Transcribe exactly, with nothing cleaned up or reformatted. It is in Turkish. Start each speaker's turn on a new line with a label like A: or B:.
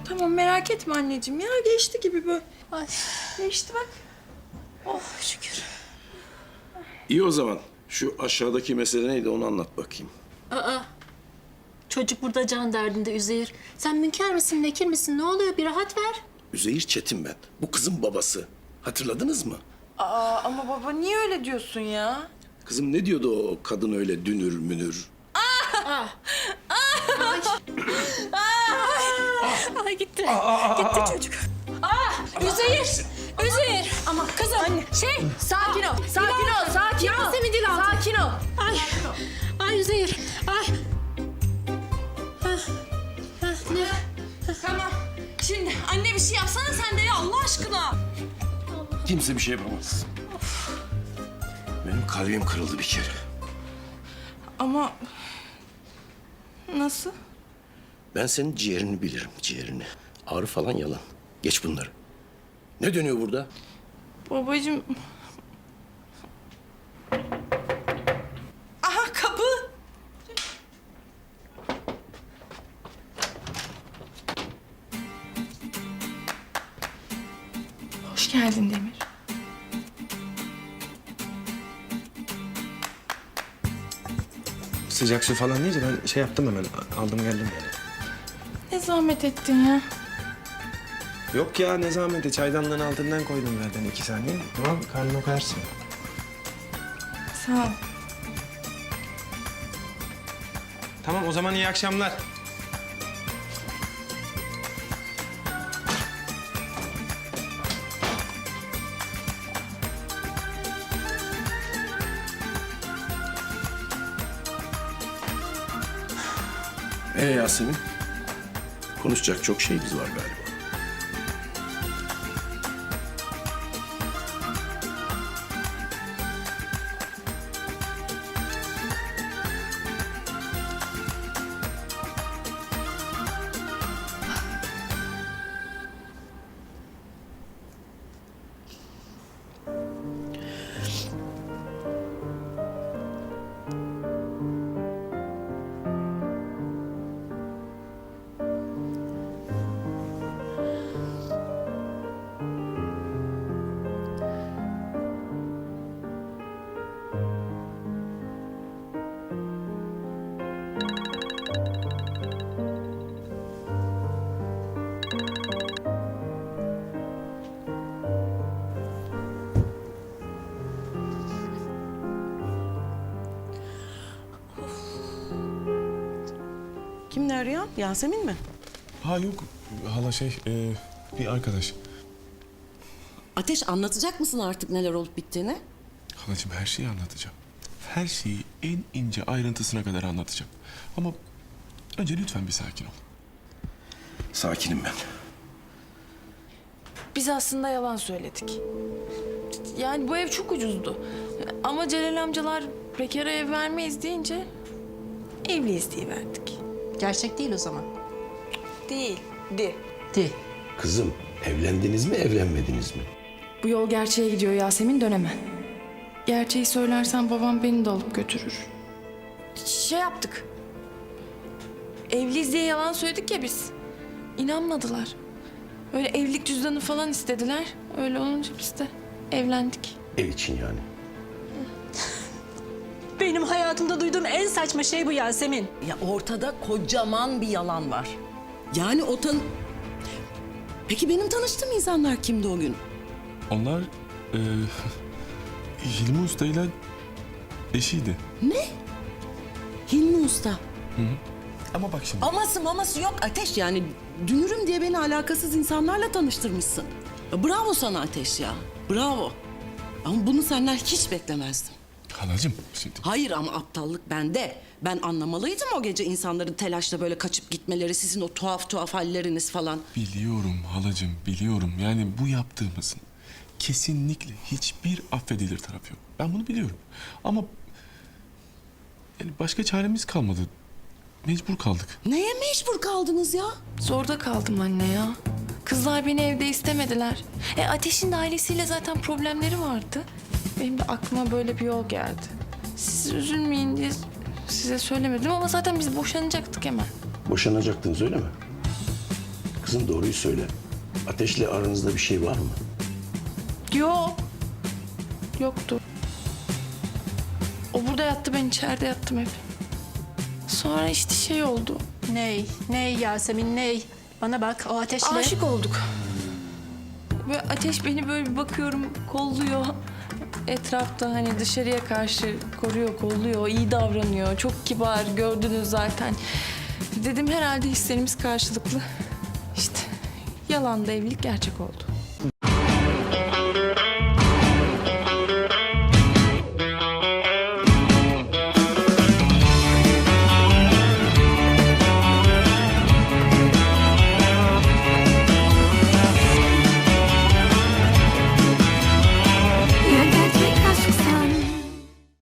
A: Tamam merak etme anneciğim ya. Geçti gibi böyle.
B: Ay.
A: Geçti bak.
B: Oh şükür.
C: İyi o zaman. Şu aşağıdaki mesele neydi onu anlat bakayım.
B: Aa. Çocuk burada can derdinde Üzeyir. Sen münker misin, nekir misin? Ne oluyor? Bir rahat ver.
C: Üzeyir Çetin ben. Bu kızın babası. Hatırladınız mı?
A: Aa ama baba niye öyle diyorsun ya?
C: Kızım ne diyordu o kadın öyle dünür münür?
B: Ay gitti. Gitti çocuk. Aa, Üzeyir. Üzeyir. Ama kızım. Anne. Şey.
A: Sakin ol, sakin ol, sakin ol.
B: Yasemin Dilan.
A: Sakin ol.
B: Ay. Ay Üzeyir. Ay. Hah. Hah, ne?
A: Tamam. Şimdi anne bir şey yapsana sen de ya Allah aşkına.
C: Kimse bir şey yapamaz. Benim kalbim kırıldı bir kere.
A: Ama nasıl?
C: Ben senin ciğerini bilirim, ciğerini. Ağrı falan yalan. Geç bunları. Ne dönüyor burada?
A: Babacığım. Aha kapı. Hoş geldin Demir.
D: Sıcak su falan deyince ben şey yaptım hemen. Aldım geldim yani.
A: Ne zahmet ettin ya.
D: Yok ya ne zahmeti. Çaydanlığın altından koydum zaten iki saniye. Tamam karnına koyarsın.
A: Sağ ol.
D: Tamam o zaman iyi akşamlar.
C: Ee Yasemin? Konuşacak çok şeyimiz var galiba.
E: Kim ne arıyor? Yasemin mi?
F: Ha yok hala şey e, bir arkadaş.
E: Ateş anlatacak mısın artık neler olup bittiğini?
F: Halacığım her şeyi anlatacağım. Her şeyi en ince ayrıntısına kadar anlatacağım. Ama önce lütfen bir sakin ol.
C: Sakinim ben.
A: Biz aslında yalan söyledik. Yani bu ev çok ucuzdu. Ama Celal amcalar bekara ev vermeyiz deyince evliyiz diye verdik.
B: Gerçek değil o zaman.
A: Değildi.
B: Değil.
C: Kızım evlendiniz mi evlenmediniz mi?
A: Bu yol gerçeğe gidiyor Yasemin dönemem. Gerçeği söylersen babam beni de alıp götürür. Şey yaptık. Evliyiz diye yalan söyledik ya biz. İnanmadılar. Öyle evlilik cüzdanı falan istediler. Öyle olunca biz de evlendik.
C: Ev için yani.
B: Benim hayatımda duyduğum en saçma şey bu Yasemin.
E: Ya ortada kocaman bir yalan var. Yani o tan... Peki benim tanıştığım insanlar kimdi o gün?
F: Onlar e, Hilmi Usta'yla eşiydi.
E: Hilmi Usta.
F: Ama bak şimdi.
E: Aması maması yok Ateş yani. Dünürüm diye beni alakasız insanlarla tanıştırmışsın. Ya bravo sana Ateş ya. Bravo. Ama bunu senden hiç beklemezdim.
F: Halacığım şimdi.
E: Hayır ama aptallık bende. Ben anlamalıydım o gece insanların telaşla böyle kaçıp gitmeleri, sizin o tuhaf tuhaf halleriniz falan.
F: Biliyorum halacığım biliyorum. Yani bu yaptığımızın kesinlikle hiçbir affedilir tarafı yok. Ben bunu biliyorum. Ama yani başka çaremiz kalmadı. Mecbur kaldık.
E: Neye mecbur kaldınız ya?
A: Zorda kaldım anne ya. Kızlar beni evde istemediler. E Ateş'in de ailesiyle zaten problemleri vardı. Benim de aklıma böyle bir yol geldi. Siz üzülmeyin diye size söylemedim ama zaten biz boşanacaktık hemen.
C: Boşanacaktınız öyle mi? Kızım doğruyu söyle. Ateş'le aranızda bir şey var mı?
A: Yok. Yoktu. O burada yattı, ben içeride yattım hep. Sonra işte şey oldu.
B: Ney? Ney Yasemin ney? Bana bak o ateşle.
A: Aşık olduk. Ve Ateş beni böyle bir bakıyorum, kolluyor. Etrafta hani dışarıya karşı koruyor, kolluyor, iyi davranıyor. Çok kibar, gördünüz zaten. Dedim herhalde hislerimiz karşılıklı. İşte yalan da evlilik gerçek oldu.